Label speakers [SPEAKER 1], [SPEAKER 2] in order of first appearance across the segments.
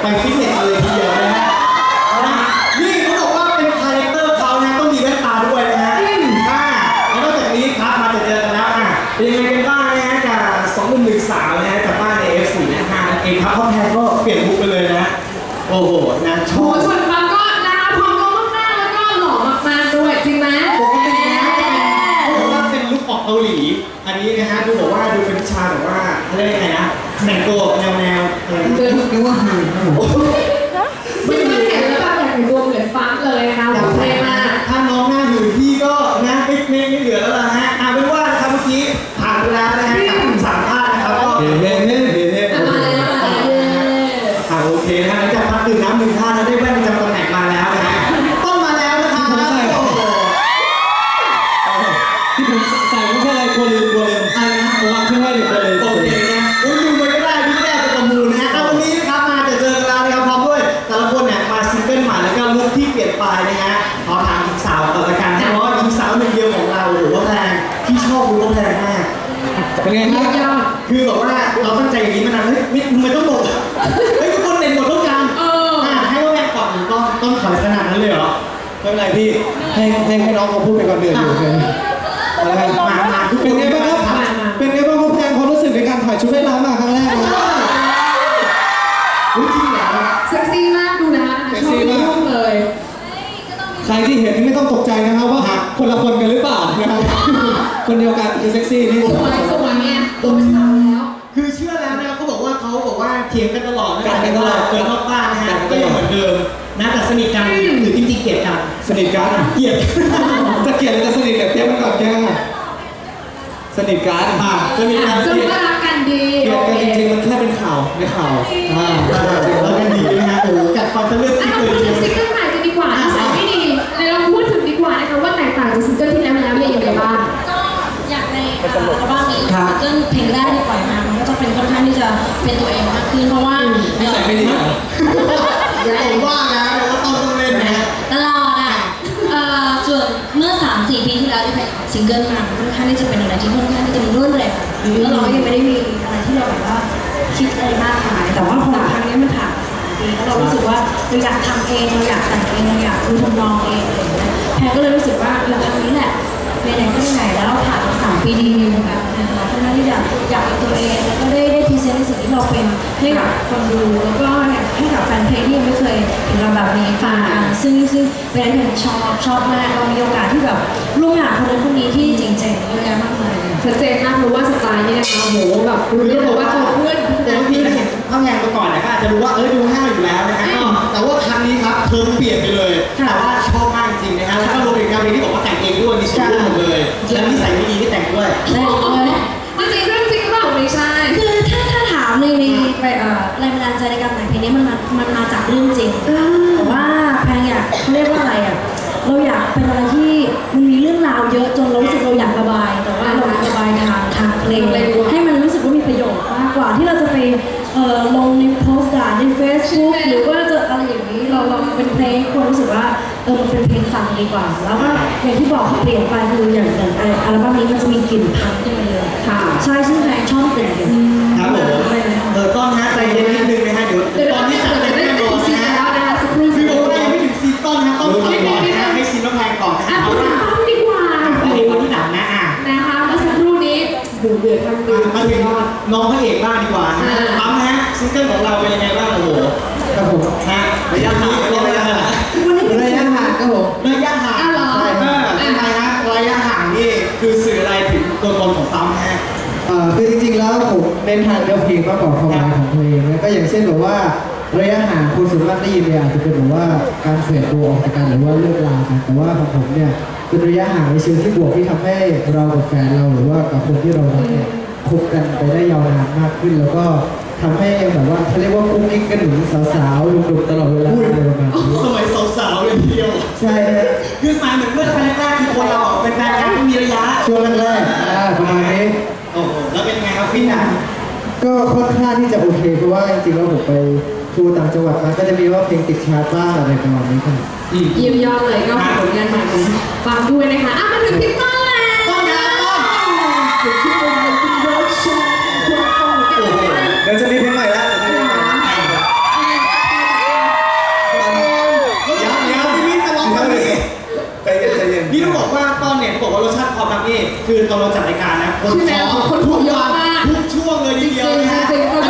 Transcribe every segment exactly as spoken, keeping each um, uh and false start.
[SPEAKER 1] ไปฟิตเนสเลยทีเดียวนะฮะนี่เขาบอกว่าเป็นคาแรคเตอร์เขานะต้องมีแว่นตาด้วยนะฮะอ่าแล้วนอกจากนี้ครับมาเจอกันแล้วอ่ะเป็นยังไงกันบ้างนะฮะกับสองหนุ่มหนึ่งสาวนะฮะจากบ้านใน เอฟ สี่ นะฮะนั่นเองครับพ่อแพรก็เปลี่ยนลุคไปเลยนะโอ้โหนะชอบ
[SPEAKER 2] ส่วนบางก็นะคะพร้อมก็มากๆแล้วก็หล่อมากๆด้วยจริงไหม
[SPEAKER 1] ปกตินะเขาบอกว่าเป็นลุคออกเกาหลีอันนี้นะฮะดูบอกว่าดูเป็นชาแบบว่าเรียกยังไงนะแต่งตัวแนวแนว
[SPEAKER 3] เดินนึกว่าหืน
[SPEAKER 2] ไม่ไม่เห็นแล้วแบบอย่างตัวเหมือนฟ้าเลยนะคะโอเคมาก
[SPEAKER 1] ถ้าน้องหน้าหืนพี่ก็นะไม่ไม่ไม่เหลือแล้วล่ะฮะเอาเป็นว่าครับเมื่อกี้ผ่านไปแล้วนะฮะกับสามท่านนะครับก็เฮ้เฮ้เฮ้เฮ้เฮ้โอเคนะฮะหลังจากพักดื่มน้ำหนึ่งท่านแล้วได้แว่นประจำตำแหน่งมาแล้วนะฮะต้องมาแล้วนะครับ
[SPEAKER 3] ที่ผมใส่ไม่ใช่อะไรกลัวลืมกลัวลืม
[SPEAKER 1] อะไรนะ
[SPEAKER 3] ผมวางขึ้นไว้เดี๋ยวกลัวลืม
[SPEAKER 1] โอเคนะอุ้ยดูไปก็ได้ดูไม่ได้ไปประมูลนะฮะเอาวันนี้นะครับมาจะเจอกันแล้วนะครับพร้อมด้วยแต่ละคนเนี่ยมาซิงเกิลใหม่แล้วก็ลุคที่เปลี่ยนไปนะฮะขอถามหญิงสาวก่อนละกันเพราะว่าหญิงสาวหนึ่งเดียวของเราหรือว่าแพงที่ชอบรู้ว่าแพงมาก
[SPEAKER 3] เป็นไงครับ
[SPEAKER 1] คือแบบว่าเราตั้งใจอย่างนี้มานานเฮ้ยทำไมต้องหมดเฮ้ยทุกคนเด่นหมดทุกอย่างเออให้ว่าแพงก่อนต้องต้องถอยขนาดนั้นเลยเหรอ
[SPEAKER 3] ไม่เป็นไรพี่ให้ให้ให้น้องเขาพูดไปก่อนเดือดอยู่เลยอะไรมามาเป็นไงบ้างครับเป็นไงบ้างครับแพงความรู้สึกในการถ่ายชุดว่ายน้ำมาครั้งแรกนะ
[SPEAKER 1] จริงเหรอ
[SPEAKER 2] เซ็กซี่มากดูนะคะ
[SPEAKER 3] เซ็กซี่มาก
[SPEAKER 2] เลย
[SPEAKER 3] ใครที่เห็นไม่ต้องตกใจนะครับว่าคนละคนกันหรือเปล่านะครับคนเดียวกันคือเซ็กซี่นี่
[SPEAKER 2] สวยสวยเนี่ยตัวเป็นสาวแล้ว
[SPEAKER 1] คือเชื่อแล้วนะเขาบอกว่าเขาบอกว่าเถียงกันตลอดนะกันตลอดเกินนอกบ้านนะฮะก็ยังเหมือนเดิมนะแต่สนิทกันหรือจริงๆเกลียดกัน
[SPEAKER 3] สนิทกัน
[SPEAKER 1] เกลียด
[SPEAKER 3] จะเกลียดหรือจะสนิทเนี่ยเตรียมกันก่อนแกสนิทกัน
[SPEAKER 1] อ่าสนิทกัน
[SPEAKER 2] สนิทรักกันดี
[SPEAKER 3] เกลียดกันจริงๆมันแค่เป็นข่าวไม่ข่าว
[SPEAKER 1] อ่ารักกันดีนะฮะโอ้กัดฟันจะเลือกซิงเกิล
[SPEAKER 2] ซิงเกิลใหม่กันดีกว่านิสัยไม่ดีเลยเราพูดถึงดีกว่านะคะว่าแตกต่างจากซิงเกิลที่แล้วแล้วยังไงบ้าง
[SPEAKER 4] ก็อยากในอัลบั้มนี้ซิงเกิลเพลงแรกที่ปล่อยมามันก็จะเป็นค่อนข้างที่จะเป็นตัวเองมากขึ้นเพราะว่า
[SPEAKER 3] นิสัยไม่ดี
[SPEAKER 1] อย่าผมว่านะเราก็ต้องต้องเล่นนะ
[SPEAKER 4] ตลอดอ่ะส่วนเมื่อ สามสี่ ปีที่แล้วที่เป็นซิงเกิลมาค่อนข้างที่จะเป็นอะไรที่ค่อนข้างที่จะมีรวดเร็วแล้วเราก็ยังไม่ได้มีอะไรที่เราแบบว่าคิดอะไรมากมายแต่ว่าพอครั้งนี้มันผ่านปีแล้วเรารู้สึกว่าเราอยากทำเองเราอยากแต่งเองเราอยากดูทำนองเองอะไรอย่างเงี้ยแพรก็เลยรู้สึกว่าเราครั้งนี้แหละไหนๆก็ไหนแล้วผ่านมาสามปีดีๆแบบนะคะค่อนข้างที่จะอยากเป็นตัวเองแล้วก็ได้ได้พรีเซนต์ในสิ่งที่เราเป็นให้กับคนดูแล้วก็ให้กับแฟนเพลงที่ยังไม่เคยเห็นเราแบบนี้ฟังซึ่งซึ่งเป็นอะไรที่ชอบชอบมากเรามีโอกาสที่แบบร่วมงานคนนั้นคนนี้ที่เจ๋งๆเยอะแยะมากมาย
[SPEAKER 2] ชัดเจนมากรู้ว่าสไตล์นี่นะคะโหแบบรู้ได้เลยว่าเพื่อน
[SPEAKER 1] แต่บางทีถ้าเห็นข้างแรงมาก่อนเนี่ยก็อาจจะรู้ว่าเออดูห้าวอยู่แล้วนะฮะแต่ว่าครั้งนี้ครับเธอเปลี่ยนไปเลยแต่ว่าชอบมากจริงนะฮะแล้วก็รวมถึงการเพลงที่บอกว่าแต่งเองด้วยมีส่วนร่วมหมดเลยแล้วนิสัยไม่ดีที่แต่งด้วย
[SPEAKER 2] จริงๆเรื่องจริงหรือเปล่าไม่ใช่
[SPEAKER 4] คือถ้าถ้าถามในในไปเอ่อแรงบันดาลใจในการแต่งเพลงนี้มันมามันมาจากเรื่องจริงแต่ว่าแพงอยากเขาเรียกว่าอะไรอ่ะเราอยากเป็นอะไรที่มันมีเรื่องราวเยอะจนเรารู้สึกเราอยากระบายแต่ว่าเราระบายทางทางเพลงให้มันรู้สึกว่ามีประโยชน์มากกว่าที่เราจะไปเอ่อลงในโพสต์ด่าในเฟซบุ๊กหรือว่าจะอะไรอย่างนี้เราเราเป็นเพลงคนรู้สึกว่าเออมันเป็นเพลงฟังดีกว่าแล้วก็อย่างที่บอกเขาเปลี่ยนไปคืออย่างอย่างอัลบั้มนี้มันจะมีกลิ่นพังขึ้นมาเลยค่ะใช่ซึ่งแพงชอบกลิ่นอยู่
[SPEAKER 1] ครับผมเออต้นฮะใจเย็นนิดนึงนะฮะเดี๋ยวตอนนี้จัดเต็มแน่นอนนะฮะคือโอ้ยไม่ถึงซีต้นนะต้องทำก่อนนะฮะให้ซีน้องแพงก่อนนะฮะ
[SPEAKER 2] เอาละดีกว่า
[SPEAKER 1] เพลงวันที่หนังนะอ่ะ
[SPEAKER 2] นะคะเมื่อสักครู่นี้ดูเดือดทั้งเดือด
[SPEAKER 1] มาถึงน้องพระเอกบ้างดีกว่านะปั๊มฮะซิงเกิลของเราเป็นยังไงบ้างโอ้โห
[SPEAKER 3] ครับผม
[SPEAKER 1] นะระยะนี้ระยะห่าง
[SPEAKER 3] ระยะห่างครับผม
[SPEAKER 1] ระยะห่างใช่เอออะไรฮะระยะห่างนี่คือสื่ออะไรถึงตัวตนของปั๊มฮะ
[SPEAKER 3] เอ่อคือจริงๆแล้วผมเน้นทางเนื้อเพลงมากกว่าความหมายของเพลงนะก็อย่างเช่นแบบว่าระยะห่างคนส่วนมากได้ยินเนี่ยอาจจะเป็นแบบว่าการเฟดตัวออกจากกันหรือว่าเลิกลากันแต่ว่าของผมเนี่ยเป็นระยะห่างในเชิงที่บวกที่ทำให้เรากับแฟนเราหรือว่ากับคนที่เรารักเนี่ยคบกันไปได้ยาวนานมากขึ้นแล้วก็ทำให้แบบว่าเขาเรียกว่ากุ๊กกิ๊กกันหนุ่มสาวๆดุๆตลอดเวลาอะไรประมาณนี้
[SPEAKER 1] สมัยสาวๆเลยทีเดียว
[SPEAKER 3] ใช่ฮะ
[SPEAKER 1] คือสมัยเหมือนเมื่อแรกๆคือคนเราเป็นแฟนกันไม่มีระยะ
[SPEAKER 3] ช่วงแรกๆอ่าประมาณนี้
[SPEAKER 1] โอ้โหแล้วเป็นไงครับฟินอ่ะ
[SPEAKER 3] ก็ค่อนข้างที่จะโอเคเพราะว่าจริงๆแล้วผมไปทัวร์ต่างจังหวัดมาก็จะมีว่าเพลงติดชาร์ตบ้างอะไรประมาณนี้ครับ
[SPEAKER 2] เยี่ยมยอดเลยก็ผลงานใหม่ของฟังด้วยนะคะอ่ะมาถึงพี่ต้นแล้ว
[SPEAKER 1] ต้นนะต้นเ
[SPEAKER 3] ดี๋ยวจะมีเพลงใหม่แล้วเดี๋ยวจะมีเพลงใหม่
[SPEAKER 1] บอกว่าตอนเนี่ยเขาบอกว่ารสชาติความรักนี่คือตอนเราจัดรายการนะคนขอคนทุกวันทุกช่วงเลยทีเดียวนะฮะ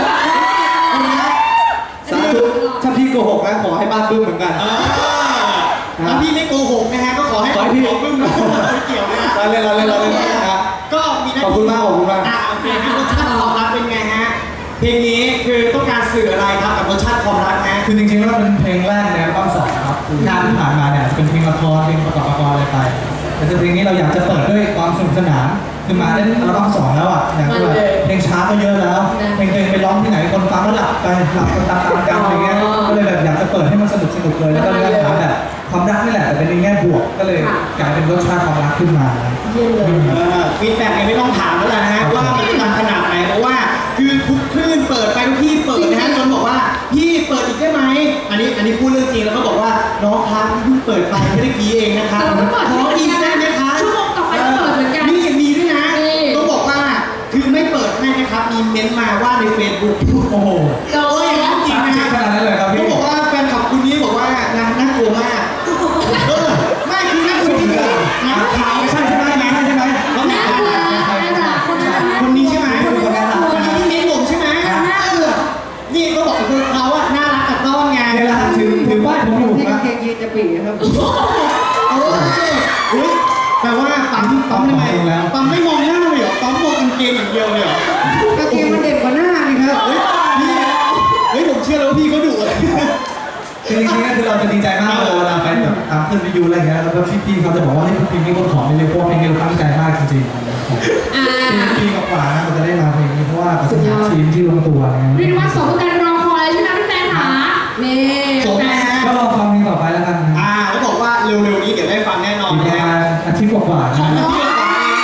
[SPEAKER 3] สาธุถ้าพี่โกหกนะขอให้บ้านบึ้มเหมือนกัน
[SPEAKER 1] ถ้าพี่ไม่โกหกนะฮะก็ขอให้พี่บึ้มนะไม่เกี่ยวนะ
[SPEAKER 3] เราเล่นเราเล่นเราเล่นนะ
[SPEAKER 1] ก็มีหน้าที่
[SPEAKER 3] ขอบคุณมากขอบคุณมาก
[SPEAKER 1] อ่าโอเคฮะรสชาติความรักเป็นไงฮะเพลงนี้คือต้องการสื่ออะไรครับกับรสชาติความรักนะ
[SPEAKER 5] คือจริงๆแล้วเป็นเพลงแรกในอัลบั้มสองครับงานที่ผ่านมาเนี่ยเป็นเพลงละครเพลงประกอบละครอะไรไปแต่เพลงนี้เราอยากจะเปิดด้วยความสนุกสนานคือมาได้อัลบั้มสองแล้วอ่ะอย่างที่แบบเพลงช้าก็เยอะแล้วเพลงเพลงไปร้องที่ไหนคนฟังก็หลับไปหลับกันตามๆกันอะไรเงี้ยก็เลยแบบอยากจะเปิดให้มันสนุกสนุกเลยแล้วก็เนื้อหาแบบความรักนี่แหละแต่เป็นในแง่บวกก็เลยกลายเป็นรสชาติความรักขึ้นมา
[SPEAKER 1] ฟีดแบ็กเนี่ยไม่ต้องถามแล้วนะฮะว่ามันดังขนาดไหนเพราะว่าคือทุกคลื่นเปิดไปทุกที่เปิดนะฮะจนบอกว่าพี่เปิดอีกได้ไหมอันนี้อันนี้พูดเรื่องจริงแล้วก็บอกว่าน้องครับเพิ่งเปิดไปไม่ได้กี่เองนะครับขออีกได้ไหมคะ
[SPEAKER 2] ชั่วโมงต่อไปก็เปิดเหมือนกัน
[SPEAKER 1] นี่มีด้วยนะต้องบอกว่าคือไม่เปิดให้นะครับมีเม้นต์มาว่าใน Facebook
[SPEAKER 5] โอ้โห
[SPEAKER 1] เอออย่างนั้นจริงนะฮะ
[SPEAKER 5] ขนาดนั้นเลยครับพี่
[SPEAKER 1] ต้องบอกว่าแฟนคลับคุณนี้บอกว่านางน่ากลัวมากเออไม่คือน่ากลัวจริงๆนะขาวไม่ใช่ใช่ไหมนะใช่ไหมแล้ว
[SPEAKER 2] น่ากลัวน่ากลัวคนนั้น
[SPEAKER 1] คนนี้ใช่ไหม
[SPEAKER 2] คนนั้นน่ากลัว
[SPEAKER 1] คนนี้ที่เม้นผมใช่ไหม
[SPEAKER 2] น่ากลัว
[SPEAKER 1] นี่ก็บอกคือเขาอะน่ารักกับต้อนไง
[SPEAKER 5] เวลาถือถือป้ายผมอยู่
[SPEAKER 3] ที่
[SPEAKER 5] นะ
[SPEAKER 3] กางเกงยีนจะปีครับ
[SPEAKER 1] เออเฮ้ยแปลว่าปั๊มปั๊มทำไมปั๊มไม่มองหน้าเลยเหรอปั๊มมองกางเกงอย่างเดียวเลยเหรอก
[SPEAKER 3] างเกงมันเด่นกว่าหน้านี่ครับ
[SPEAKER 1] เฮ้ยพี่เฮ้ยผมเชื่อแล้วว่าพี่เขาดุเลย
[SPEAKER 5] คือจริงๆก็คือเราจะดีใจมากเลยเวลาไปแบบตามขึ้นวิวอะไรเงี้ยแล้วก็พี่ๆเขาจะบอกว่าให้เพลงนี้คนขอไม่เลยเพราะว่าเพลงนี้เราตั้งใจมากจริงๆ
[SPEAKER 2] อ่า
[SPEAKER 5] ปีกว่าๆนะเราจะได้มาเพลงนี้เพราะว่าประสบการณ์ทีมที่ลงตัวอะไร
[SPEAKER 2] เรีย
[SPEAKER 5] เงี้
[SPEAKER 2] ก
[SPEAKER 5] ย
[SPEAKER 2] ว่าสมการรอคอยใช่ไหมพี่แฟนคะนี่
[SPEAKER 1] สมนะฮะ
[SPEAKER 5] ก็รอฟังเพลงต่อไปแล้วกันนะ
[SPEAKER 1] อ่าแล้วบอกว่าเร็วๆนี้เดี๋ยวได้ฟังแน่นอน
[SPEAKER 5] อีกประ
[SPEAKER 1] นะ
[SPEAKER 5] มา
[SPEAKER 1] ฮะ
[SPEAKER 5] ณอาทิตย์กว่าๆ
[SPEAKER 1] ขอ
[SPEAKER 5] นะ
[SPEAKER 1] งพี่ก่อน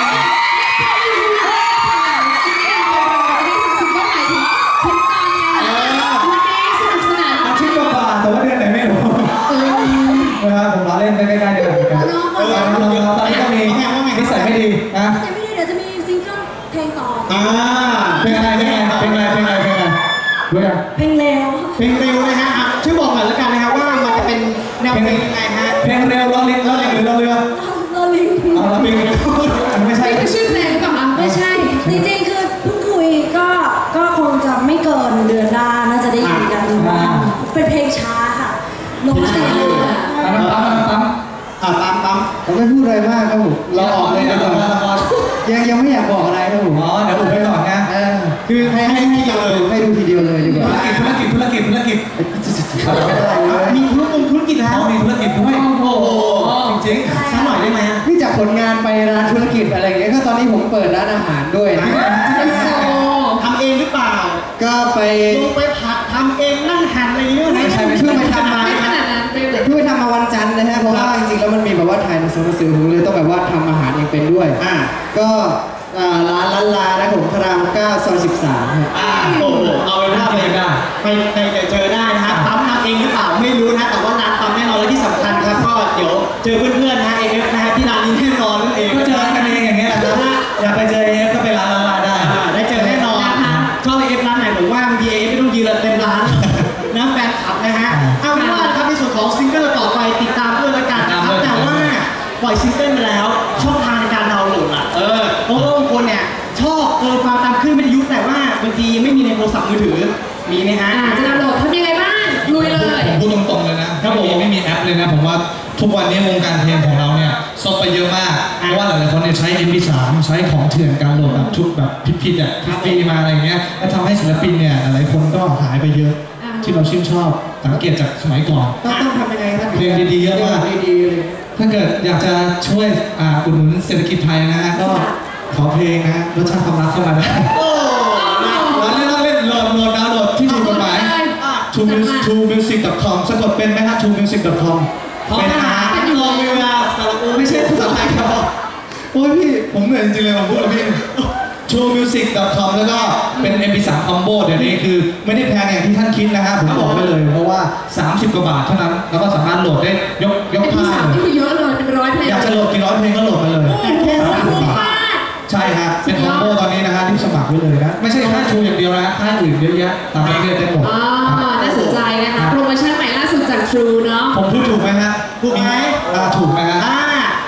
[SPEAKER 5] อาทิตย์กว่าๆแต่ว่าเดือนไหนไม่รู้นะครับผมล้อเล่นใกล้ๆเดือนเหมือนกันเออน้องๆตอนนี้ก็มีนิสัยไม่ดีนะ
[SPEAKER 4] แต่ไม่ได้เดี๋ยวจะมีซิงเกิลเพลงต่อ
[SPEAKER 1] อ่า
[SPEAKER 5] เพลงอะไรเพลงอะไรเพลงอะไรเพลงอะไรเพลงอะไรด้วยกัน
[SPEAKER 4] เพลงเร็ว
[SPEAKER 1] เพลงเร็วนะฮะอ่ะช่วยบอกหน่อยแล้วกันนะครับว่ามันจะเป็นแนวเพลงยังไงฮะ
[SPEAKER 5] เพลงเร็วล้อลิงล้อลิงหรือล้อเรือ
[SPEAKER 4] โรลิง
[SPEAKER 5] เอาล้อลิงไม่ใช่
[SPEAKER 2] นี่คือชื่อเพลงหรือเปล่าคะ
[SPEAKER 4] ไม่ใช่ จริงๆ คือเพิ่งคุยก็ก็คงจะไม่เกินเดือนหน้าน่าจะได้ยินกันบ้างเป็นเพลงช้าค่ะลงเสียง
[SPEAKER 5] อันนั้นปั๊มอันนั้นปั๊ม
[SPEAKER 1] อ่าตามตาม
[SPEAKER 3] ผมไม่พูดอะไรมากครับผมเราออกเลยดีกว่ายังยังไม่อยากบอกอะไรครับผม
[SPEAKER 5] อ๋อเดี๋ยวอุบไปก่อนนะ
[SPEAKER 3] เออคือให้ให้ให้ดูให้ดูทีเดียวเลยดีกว่า
[SPEAKER 5] ธุรกิจธุรกิจธุรกิจธุรกิจ
[SPEAKER 3] ไม่ได้เลย
[SPEAKER 1] มีธุรกงธุรกิจแล้ว
[SPEAKER 5] เขามีธุรกิจด้วยโอ้โหจริง
[SPEAKER 1] สักหน่อยได้ไหมฮะ
[SPEAKER 3] นี่จากผลงานไปร้านธุรกิจอะไรอย่างเงี้ยก็ตอนนี้ผมเปิดร้านอาหารด้วยนะ
[SPEAKER 2] เป็นโซ
[SPEAKER 1] ทำเองหรือเปล่า
[SPEAKER 3] ก็ไป
[SPEAKER 1] ลงไปผัดทำเองนั่งหั่นอะไรอย่างเงี้ย
[SPEAKER 3] ไม่ใช่ไม่ใช่ไปทำมา
[SPEAKER 2] ไม่ขนาดนั้นไปเลย
[SPEAKER 3] เพิ่งไปทำมาวันจันทร์นะฮะเพราะว่าจริงๆแล้วมันมีแบบว่าถ่ายหนังสือหนังสือผมเลยต้องแบบว่าทำอาหารเองเป็นด้วย
[SPEAKER 1] อ่า
[SPEAKER 3] ก็อ่าร้านล้านลานะผมพระรามเก้าซอยสิบสามครับ
[SPEAKER 1] อ่าโอ้โหเอาเป็นว่าไปไปไปเจอได้นะฮะปั๊มทำเองหรือเปล่าไม่รู้นะแต่ว่าร้านปั๊มแน่นอนและที่สำคัญครับก็เดี๋ยวเจอเพื่อนๆนะฮะเอฟนะฮะที่ร้านนี้แน่นอนนั่นเอง
[SPEAKER 5] ก็เจอกันเองอย่างเงี้ยนะอยากไปเจอเอฟก็ไปร้านละลาได้
[SPEAKER 1] อ่าได้เจอแน่นอนชอบเอฟร้านไหนผมว่าบางทีเอฟไม่ต้องยืนเต็มร้านนะแฟนคลับนะฮะเอาเป็นว่าครับในส่วนของซิงเกิลต่อไปติดตามด้วยละกันนะครับแต่ว่าปล่อยซิงเกิลไปแล้วช่องทางในการดาวน์โหลดอ่ะเออเพราะว่าบางคนเนี่ยชอบเออฟังตามคลื่นวิทยุแต่ว่าบางทีไม่มีในโทรศัพท์มือถือมีไหมฮะ
[SPEAKER 2] อ่าจะดาวน์โหลดทำยังไงบ้างลุยเลย
[SPEAKER 5] ผมพูดตรงๆเลยนะ
[SPEAKER 1] ครั
[SPEAKER 5] ถ้า
[SPEAKER 1] บ
[SPEAKER 5] ผ
[SPEAKER 1] ผม
[SPEAKER 5] มไม่มีแอปเลยนะผมว่าทุกวันนี้วงการเพลงของเราเนี่ยซบไปเยอะมากเพราะว่าหลายๆคนเนี่ยใช้ เอ็ม พี สาม ใช้ของเถื่อนการโหลดแบบชุดแบบผิดๆอ่ะฟรีมาอะไรเงี้ยแล้วทำให้ศิลปินเนี่ยหลายคนก็หายไปเยอะที่เราชื่นชอบสังเกตจากสมัยก่อน
[SPEAKER 3] ต้องต้องทำยังไงครับ
[SPEAKER 5] เพลงดีๆเยอะมาก
[SPEAKER 3] ดีๆเลย
[SPEAKER 5] ถ้าเกิดอยากจะช่วยอ่าอุดหนุนเศรษฐกิจไทยนะฮะก็ขอเพลงนะรสชาติความรักเข้ามาได้
[SPEAKER 1] โอ้
[SPEAKER 5] เราเล่นเราเล่นโหลดโหลดดาวน์โหลดที่ถูกกฎหมาย ทูมิวสิก ดอท คอม สะกดเป็นไหมฮะ ทูมิวสิก ดอท คอม
[SPEAKER 1] พอทหารรอเรือสระอู
[SPEAKER 5] ไม่ใช่ภาษาไทยครับโอ้ยพี่ผมเหนื่อยจริงๆเลยผมพูดกับพี่ ทูมิวสิก ดอท คอม แล้วก็เป็น เอ็ม พี สาม Combo เดี๋ยวนี้คือไม่ได้แพงอย่างที่ท่านคิดนะฮะผมบอกไว้เลยเพราะว่าสามสิบกว่าบาทเท่านั้นแล้วก็สามารถโหลดได้ยกยก
[SPEAKER 2] เป็นที่
[SPEAKER 5] ท่า
[SPEAKER 2] สาม
[SPEAKER 5] เล
[SPEAKER 2] นี่
[SPEAKER 5] ย
[SPEAKER 2] คือเยอะเลยเป็นร้อยเพลง
[SPEAKER 5] อยากจะโหลดกี่ร้อยเพลงก็โหลดมาเลย
[SPEAKER 2] แค่สามสิบบาท
[SPEAKER 5] ใช่ครับเป็นคอมโบตอนนี้นะฮะที่สมัครไว้เลยนะไม่ใช่ค่ายชูอย่างเดียวนะค่ายอื่นเยอะแยะตามประเทศได้หมด
[SPEAKER 2] อ๋อน่าสนใจนะคะโปรโมชั่นใหม่ล่าสุดจาก True เนาะ
[SPEAKER 5] ผมพูดถูกไหมฮะ
[SPEAKER 1] ถูกไหม
[SPEAKER 5] อ่าถูกไหมฮะ
[SPEAKER 1] อ่าเอา
[SPEAKER 5] เดี๋ยวข้อ
[SPEAKER 1] งี้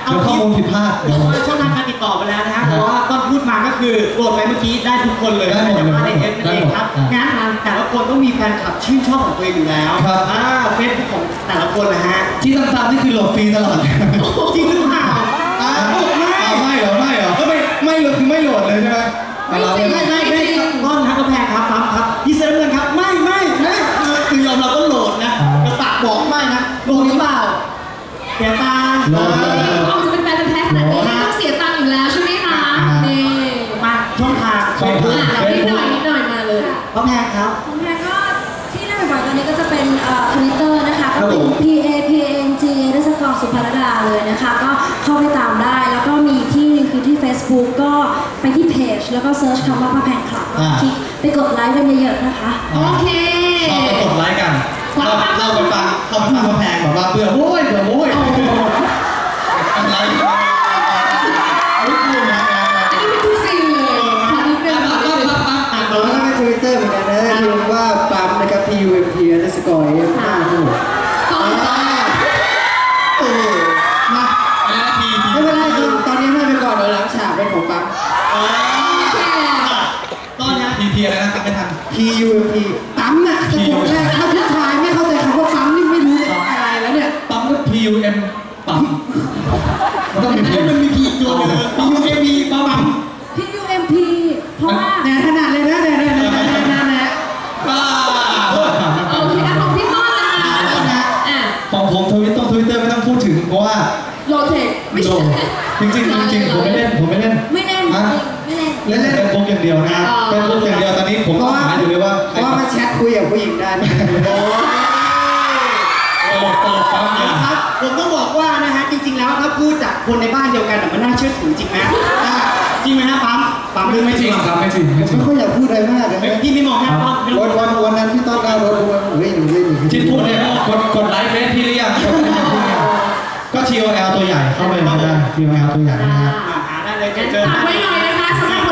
[SPEAKER 5] งผิดพลาด
[SPEAKER 1] เดี๋ยวว่าช่องทางการติดต่อไปแล้วนะฮะแต่ว่าต้นพูดมาก็คือโหลดไปเมื่อกี้ได้ทุกคนเลย
[SPEAKER 5] ได้หมดเลย
[SPEAKER 1] ในเอฟนั่นเองครับงั้นแต่ละคนต้องมีแฟนคลับชื่นชอบของตัวเองอยู่แล้ว
[SPEAKER 5] ครับ
[SPEAKER 1] อ่าเฟซบุ๊กของแต่ละคนนะฮะ
[SPEAKER 5] ที่ตามๆนี่คือโหลดฟรีตลอด
[SPEAKER 1] จริงหรือเปล่าอ่าไม่
[SPEAKER 5] อ้าวไม่เหรอไม่เหรอก็ไม่ไม่โหลดคือไม่โหลดเลยใช่ไหม
[SPEAKER 2] ไม่
[SPEAKER 5] เรา
[SPEAKER 2] จริง
[SPEAKER 1] ไม่ไม่ไม่ต้นครับกระแพงครับปั๊มครับพี่เซฟเงินครับไม่ไม่ไม่คือคือยอมเราก็โหลดนะกระปากบอกไม่นะโหลดหรือเปล่าเสียตังค์
[SPEAKER 5] โหลด
[SPEAKER 2] เออเอาจะเป็นแฟนกันแท้ขนาดนี้ไม่ต้องเสียตังค์อยู่แล้วใช่ไหมคะนี่
[SPEAKER 1] มาช่องทางเฟซบุ๊ก
[SPEAKER 2] อ่ะนิดหน่อยนิดหน่อยมาเลย
[SPEAKER 1] กระแพงครับ
[SPEAKER 4] ของแพรก็ที่เล่นบ่อยๆตอนนี้ก็จะเป็นเอ่อทวิตเตอร์นะคะ
[SPEAKER 1] ครั
[SPEAKER 4] ก็
[SPEAKER 1] บ
[SPEAKER 4] เป็
[SPEAKER 1] ผ
[SPEAKER 4] น
[SPEAKER 1] ม
[SPEAKER 4] P A P A N G รัศกรสุภรดาเลยนะคะ ก็เข้าไปตามได้ แล้วก็มีที่นึงคือที่ Facebook ก็ไปที่เพจแล้วก็เซิร์ชคำว่าพระแพงคลับแล้วก็คลิกไปกดไลค์กันเยอะๆนะคะ
[SPEAKER 2] โอเค
[SPEAKER 5] เราไปกดไลค์กันเราเราไปฟังเขาไปฟังกระแพงแบบว่าเบื่อโว้ยเบื่อโว้ยกดไลค์ไม่คุ้นนะ
[SPEAKER 2] อันนี้เป็นทุกสิ่งเลยขอนิดนึงขอนิดนึง
[SPEAKER 1] อ่าน
[SPEAKER 3] แล้วก็ในทวิตเตอร์เหมือนกันนะพิมพ์ว่าปั๊มนะครับ P U M P underscore F ห้าครับผม
[SPEAKER 2] ต่อต่อ
[SPEAKER 1] เออ
[SPEAKER 5] มาอะไรนะทีที
[SPEAKER 3] ไม่เป็นไรครับตอนนี้ให้ไปก่อนเดี๋ยวหลังฉากเป็นของปั๊ม
[SPEAKER 1] เออ
[SPEAKER 2] โอเค
[SPEAKER 1] ตอนนี้
[SPEAKER 5] ทีทีอะไรนะครับไม่ทัน
[SPEAKER 3] P U M P ปั๊มน่ะจะบอกได้ถ้าผู้ชายไม่เข้าใจคำว่าปั๊มนี่ไม่รู้จะอะไรแล้วเนี่ย
[SPEAKER 5] ปั๊มก็ P U M ปั๊มมันต้องมี
[SPEAKER 1] ไอ้มันมีกี่ตัวเลยมียูเอมีปั๊ม
[SPEAKER 4] P U M P เพราะว่า
[SPEAKER 3] แน่ขนาดเลยนะแน่แน่แน่แน่แน่แน่
[SPEAKER 5] บ้า
[SPEAKER 2] โอเคอ่ะของพี่ต้นนะคะอ่ะ
[SPEAKER 5] ของผมทวิตต้องทวิตเตอร์ไม่ต้องพูดถึงเพราะว่า
[SPEAKER 2] โลเทคไม่ใช่
[SPEAKER 5] จริงจริงจริงผมไม่เล่นผมไม่เล่น
[SPEAKER 4] ไม่เล่น
[SPEAKER 5] ฮะ
[SPEAKER 4] ไม่เล่น
[SPEAKER 5] เล่นเล่นเป็นพวกอย่างเดียวนะเป็นพวกอย่างเดียวตอนนี้ผมก็หาอยู่เลยว่า
[SPEAKER 3] เพราะว่ามันแชทคุยกับผู้หญิงได้
[SPEAKER 5] โอ้เปิดปั๊มเนี่ย
[SPEAKER 1] ครับผมต้องบอกว่านะฮะจริงๆแล้วถ้าพูดจากคนในบ้านเดียวกันมันน่าเชื่อถือจริงไหมอ่าจริงไหมฮะปั๊มปั๊ม
[SPEAKER 5] ไม่
[SPEAKER 1] หรือ
[SPEAKER 5] ไม่
[SPEAKER 1] ไม่
[SPEAKER 5] จ
[SPEAKER 1] จ
[SPEAKER 5] ริ
[SPEAKER 1] ริ
[SPEAKER 5] ง
[SPEAKER 1] ง
[SPEAKER 5] ครับไม่จริงไม่จริง
[SPEAKER 3] ไม่ค่อยอยากพูดอะไรมากเลยนะ
[SPEAKER 1] พี่ไม่มองหน้าปั๊ม
[SPEAKER 3] วันวันวันนั้นที่ต้อนหน้ารถดูเฮ้ยหนูเล่นหนู
[SPEAKER 5] ที่พูดเนี่ยกดกดไลค์เฟซพี่หรือยังกดไลค์พี่หรือยังก็ ที โอ แอล ตัวใหญ่เข้าไปก็ได้ ที โอ แอล ตัวใหญ่นะฮะ
[SPEAKER 1] อ่าหาได้เลย
[SPEAKER 2] งั้น
[SPEAKER 1] เจอ
[SPEAKER 2] ฝากไว้หน่อยนะคะสำหรับ